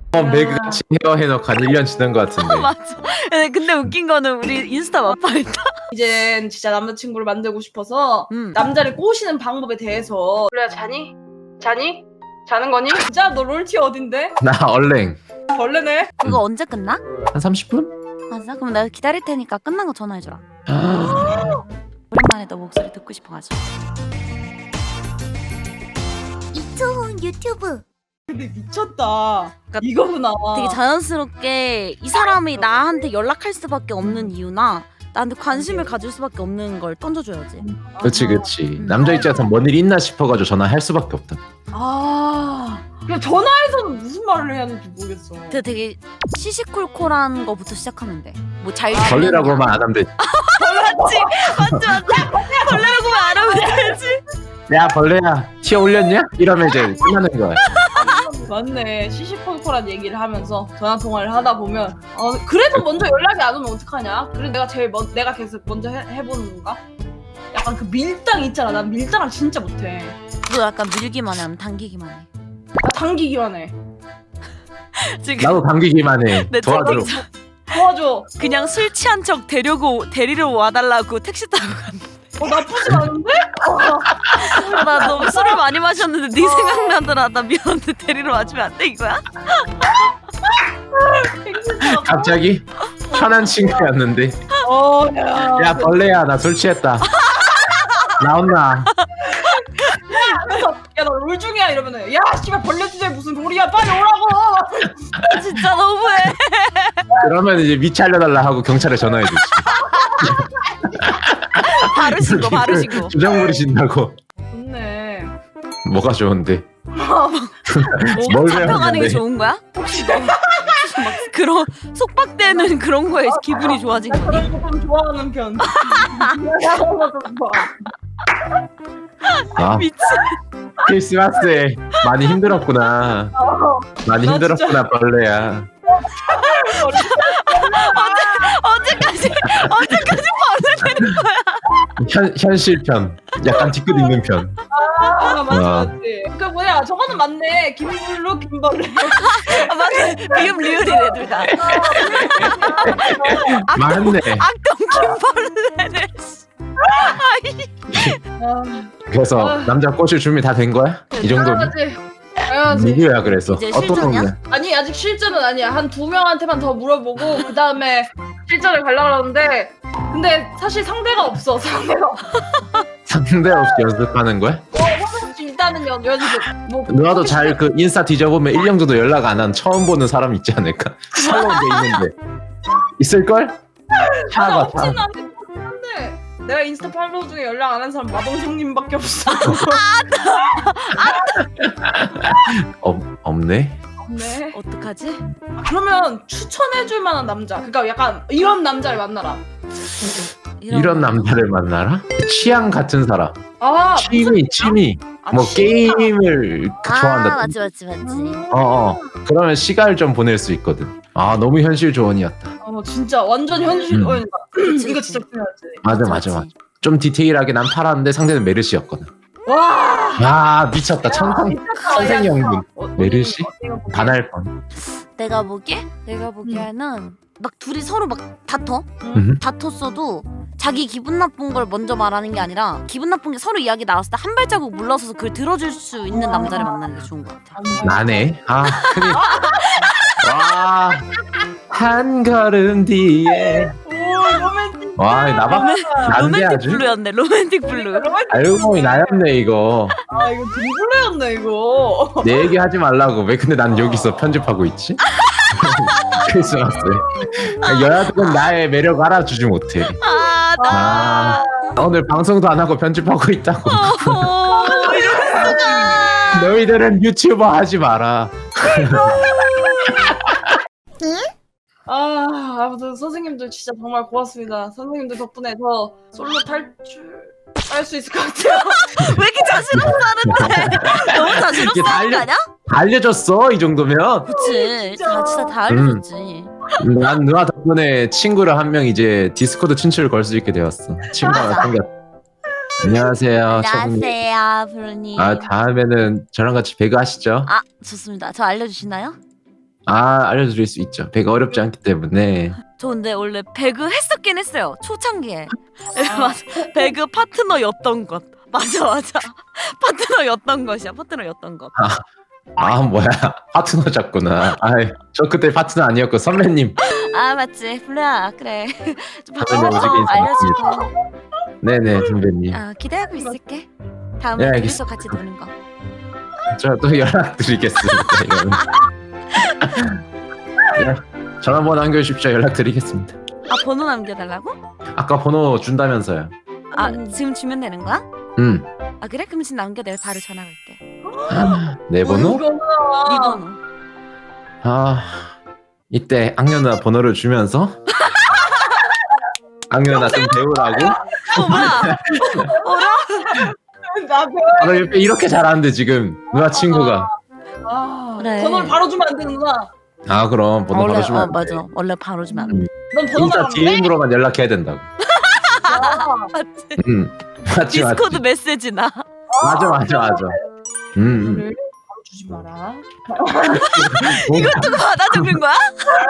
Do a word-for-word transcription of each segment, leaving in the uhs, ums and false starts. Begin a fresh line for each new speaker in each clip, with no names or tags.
어, 매그같이 헤어 해놓고 한 일 년 지난 것 같은데.
맞아. 근데, 근데 웃긴 거는 우리 인스타 마파했다.
이젠 진짜 남자친구를 만들고 싶어서
음.
남자를 꼬시는 방법에 대해서. 그래, 자니? 자니? 자는 거니? 진짜 너 롤티 어딘데?
나 얼랭.
벌레네.
그거 언제 끝나?
한 삼십 분?
맞아? 그럼 내가 기다릴 테니까 끝난 거 전화해줘라. 오랜만에 너 목소리 듣고 싶어가지고.
이초훈 유튜브.
근데 미쳤다.
그러니까
이거구나.
되게 자연스럽게 이 사람이 나한테 연락할 수밖에 없는 이유나 나한테 관심을 가질 수밖에 없는 걸 던져줘야지.
그치 그치. 남자 입장에서 뭔 일 있나 싶어가지고 전화할 수밖에 없다.
아, 그냥 전화해서는 무슨 말을 해야 하는지 모르겠어.
근데 되게 시시콜콜한 거부터 시작하면 돼. 뭐 잘
벌레라고만 안 하면 돼.
맞지? 맞지 맞지? 벌레라고만 안 하면 되지.
야 벌레야 티어 올렸냐? 이러면 이제 끝나는 거야.
맞네. 시시콜콜한 얘기를 하면서 전화 통화를 하다 보면 어 그래도 먼저 연락이 안 오면 어떡하냐? 그래 내가 제일 먼 내가 계속 먼저 해, 해보는 건가? 약간 그 밀당 있잖아. 난 밀당을 진짜 못해.
너 약간 밀기만 해, 아니면 당기기만 해?
나 당기기만 해.
지금
나도 당기기만 해.
내
도와줘.
채팅창
도와줘.
그냥 술 취한 척 데려고 데리러 와달라고 택시 타고 갔는데.
어 나쁘지 않은데?
나 너무 술을 많이 마셨는데 네 생각나더라. 나 미안한데 데리러 와주면 안 돼 이거야?
갑자기 편한 친구였는데.
어, 야.
야 벌레야 나 술 취했다. 나온나?
그래서 야나 롤 중이야 이러면은 야 씨발 벌레 주제에 무슨 롤이야 빨리 오라고.
진짜 너무해.
그러면 이제 미치 알려달라 하고 경찰에 전화해주지.
바로 신고 바로 신고.
주정 부리신다고.
좋네.
뭐가 좋은데?
뭘 잡혀가는 게 좋은 거야? 혹시 너 막 그런 속박되는 그런 거에 기분이 좋아진 거니?
그런 거 좀 좋아하는 편.
아
미친.
크리스마스에 많이 힘들었구나. 많이
나
힘들었구나 벌레야.
언제까지 언제까지 벌레되는 거야?
현 현실편. 약간 뒤끝 있는 편.
아 맞지
아.
맞지. 그 뭐야 저거는 맞네. 김블루 김벌레.
아 맞아. 비음 리얼이네 둘 다.
맞네.
악동 김벌레네.
아,
그래서
아.
남자 꼬실 준비 다 된 거야? 이 정도면?
당연하지. 당연하지.
누구야 그래서?
이제
어떤
실전이야?
놈이야?
아니 아직 실전은 아니야. 한 두 명한테만 더 물어보고 그 다음에 실전을 가려고 그러는데 근데 사실 상대가 없어. 상대가 없어.
상대 없이 연습하는 거야?
일단은 연, 연습. 뭐
누나도 잘 그 인스타 뒤져보면 일 년 정도 연락 안 한 처음 보는 사람 있지 않을까? 살로운 게 있는데 있을걸?
아,
차가
없지는
차.
않을 것 같긴 한데 내가 인스타 팔로우 중에 연락 안 한 사람 마동석님밖에 없어.
없, 없네?
네.
어떡하지?
그러면 추천해줄 만한 남자. 그러니까 약간 이런 남자를 만나라.
이런 남자를 만나라? 취향 같은 사람.
아
취미 취미
아,
뭐
취미가?
게임을 좋아한다.
아 맞지 맞지 맞지.
음.
어어 그러면 시간을 좀 보낼 수 있거든. 아 너무 현실 조언이었다.
어 진짜 완전 현실.
음.
어,
그치,
이거
그치.
진짜 중요하지.
맞아 맞아 맞아. 좀 디테일하게 난 팔았는데 상대는 메르시였거든.
와.
아 미쳤다. 천상 천생연분.
어,
메르시?
어디가 보면
반할 뻔.
내가 보기에 내가 보기에는 막 둘이 서로 막 다퉈
음.
다퉜어도 자기 기분 나쁜 걸 먼저 말하는 게 아니라 기분 나쁜 게 서로 이야기 나왔을 때 한 발자국 물러서서 그걸 들어줄 수 있는 남자를 만나는 게 좋은 것 같아.
나네. 아 큰일. 와. 한 걸음 뒤에.
오 로맨틱.
와 나박 난데
로맨틱
아주.
블루였네. 로맨틱 블루.
로맨틱.
알고 보니 나였네 이거.
아 이거 드리블레였네 이거.
내 얘기 하지 말라고. 왜 근데 난 여기서 편집하고 있지? 크리스마스. 여자들은 나의 매력 알아주지 못해.
아 나.
아 오늘 방송도 안 하고 편집하고 있다고.
어허, 이럴 수가.
너희들은 유튜버 하지 마라.
아 아무튼 선생님들 진짜 정말 고맙습니다. 선생님들 덕분에 저 솔로 탈출 할 수 있을 것 같아요.
왜 이렇게 자신 없어 하는데? 너무 자신
이게
없어 하는 거
달려-
아니야?
알려줬어 이 정도면.
그치.
진짜.
다 진짜 다 알려줬지.
난 누나 덕분에 친구를 한 명 이제 디스코드 친추를 걸 수 있게 되었어. 친구가 생겼. 안녕하세요. 저분이.
안녕하세요, 브로님.
아 다음에는 저랑 같이 배그 하시죠.
아, 좋습니다. 저 알려주시나요?
아 알려드릴 수 있죠. 배가 어렵지 않기 때문에.
저 근데 원래 배그 했었긴 했어요. 초창기에. 맞아. 배그 파트너였던 것. 맞아 맞아. 파트너였던 것이야. 파트너였던 것.
아 뭐야 파트너셨구나. 아저 그때 파트너 아니었고 선배님.
아 맞지. 블루야 그래. 좀
선배님 오시게
파트너
인사드립니다.
알려주고.
네네 선배님.
아 기대하고 있을게. 다음에
네,
둘이서
알겠습니다.
같이 노는 거.
저 또 연락드리겠습니다. 이거는. 네, 전화번호 남겨주십시오. 연락드리겠습니다.
아 번호 남겨달라고?
아까 번호 준다면서요.
아 지금 주면 되는 거야?
음.
아 그래? 그럼 지금 남겨 내가 바로 전화 걸게.
내 번호?
네
이거구나.
번호.
아 이때 악녀 누나 번호를 주면서 악녀 누나 좀 배우라고.
어 뭐야? 어라?
나 배워.
아, 나 옆에 이렇게 잘하는데 지금 누나 친구가.
아,
그래.
번호를 바로 주면 안 되는구나.
아 그럼 번호
원래
바로 주면
어
안 돼.
맞아. 원래 바로 주면 안 돼.
넌 번호
인스타
나가면 돼?
디엠으로만 연락해야 된다고.
맞지?
음 맞지 맞지.
디스코드 메시지 나.
맞아 맞아 맞아. 음. 음.
번호를 바로 주지 마라.
이거
누가 받아 적는 거야?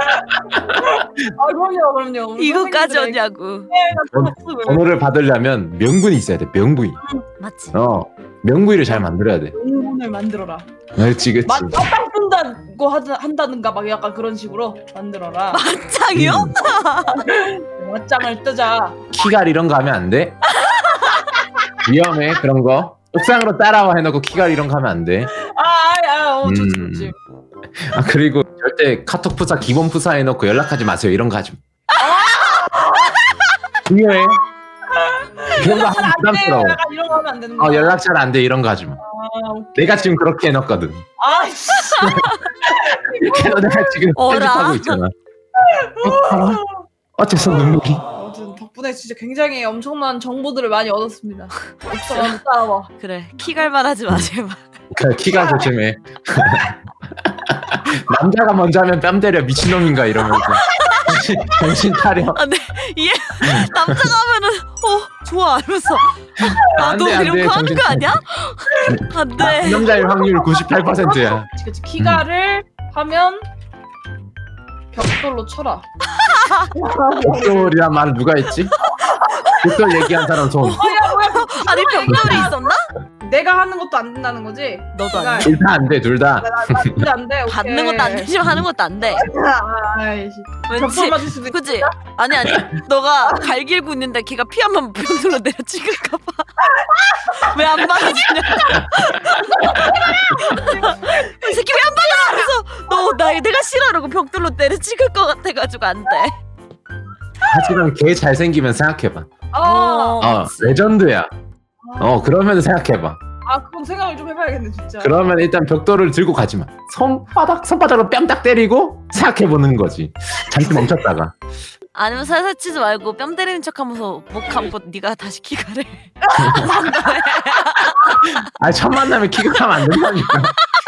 아 그럼요 그럼요. 우리
이거까지
선생님들에게
하냐고.
번-
번호를 받으려면 명분이 있어야 돼. 명분이.
맞지?
어 명부위를 잘 만들어야 돼.
명분을 만들어라.
그렇지 그렇지.
맞 맞짱 뜬다고 하다, 한다든가 막 약간 그런 식으로 만들어라.
맞짱이요?
음.
맞짱을 뜨자.
키갈 이런 거 하면 안 돼. 위험해 그런 거. 옥상으로 따라와 해놓고 키갈 이런 거 하면 안 돼.
아아 어, 좋지
음.
좋지.
아 그리고 절대 카톡 푸사 기본 푸사 해놓고 연락하지 마세요. 이런 거 하지 마. 중요해. 그런 거 하면
안 돼요.
부담스러워.
약간 이런 거 하면 안 되는 거야.
어 연락 잘 안 돼 이런 거 하지 마.
아, 오케이.
내가 지금 그렇게 해놨거든.
아이씨.
그래서 내가 지금
어라.
편집하고 있잖아. 어, 봐라. 어째서 눈물이?
아무튼 덕분에 진짜 굉장히 엄청난 정보들을 많이 얻었습니다. 옥상 한번 따라와.
그래 키갈만 하지 마 제발.
그 키가 조심해. 남자가 먼저 하면 뺨 때려 미친놈인가 이러면서. 정신, 정신 차려.
아, 네. 얘 남자가 하면은 어 좋아 이러면서
안
아너
돼, 안
이런
돼,
거 하는
정신
거
차려.
아니야? 안돼.
남자일 확률 구십팔 퍼센트야.
그치 키가를 하면 벽돌로 쳐라.
벽돌이란 말을 누가 했지? 벽돌 얘기한 사람 손.
뭐야 뭐야.
아니 병돌이 있었나?
내가 하는 것도 안 된다는 거지?
너도 안
내가-
돼.
둘 다 안 돼, 둘 다.
나 진짜 안 돼. 오케이.
받는 것도 안 되지만 하는 것도 안 돼.
아이씨.
왠지
벽돌 맞을 수도 있.
그치? 아니 아니 너가 갈 길고 있는데 걔가 피 한 번 병들로 내려 찍을까봐 왜 안 받아주냐? 이 새끼 왜 안 받아? 그래서 너 나 내가 싫어 이러고 벽돌로 때려 찍을 것 같아가지고 안 돼.
하지만 걔 잘생기면 생각해봐.
아,
어, 레전드야. 어, 그러면 생각해봐.
아 그건 생각을 좀 해봐야겠네 진짜.
그러면 일단 벽돌을 들고 가지 마. 손바닥, 손바닥으로 뺨 딱 때리고 생각해보는 거지. 잠시 멈췄다가.
아니면 살살 치지 말고 뺨 때리는 척하면서 목 감고 네가 다시 키가를.
아, 첫 만남에 키가 하면 안 된다니까.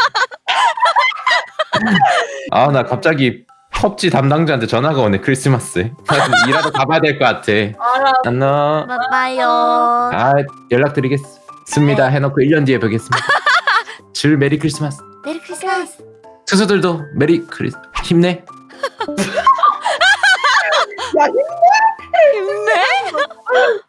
아, 나 갑자기 펍지 담당자한테 전화가 오네, 크리스마스에. 나 좀 일하러 가봐야 될 것 같아.
알아.
안녕.
바이바이요.
아, 연락드리겠습니다. 해놓고 일 년 뒤에 뵙겠습니다. 줄 메리 크리스마스.
메리 크리스마스.
투수들도 메리 크리스 힘내.
야
힘내.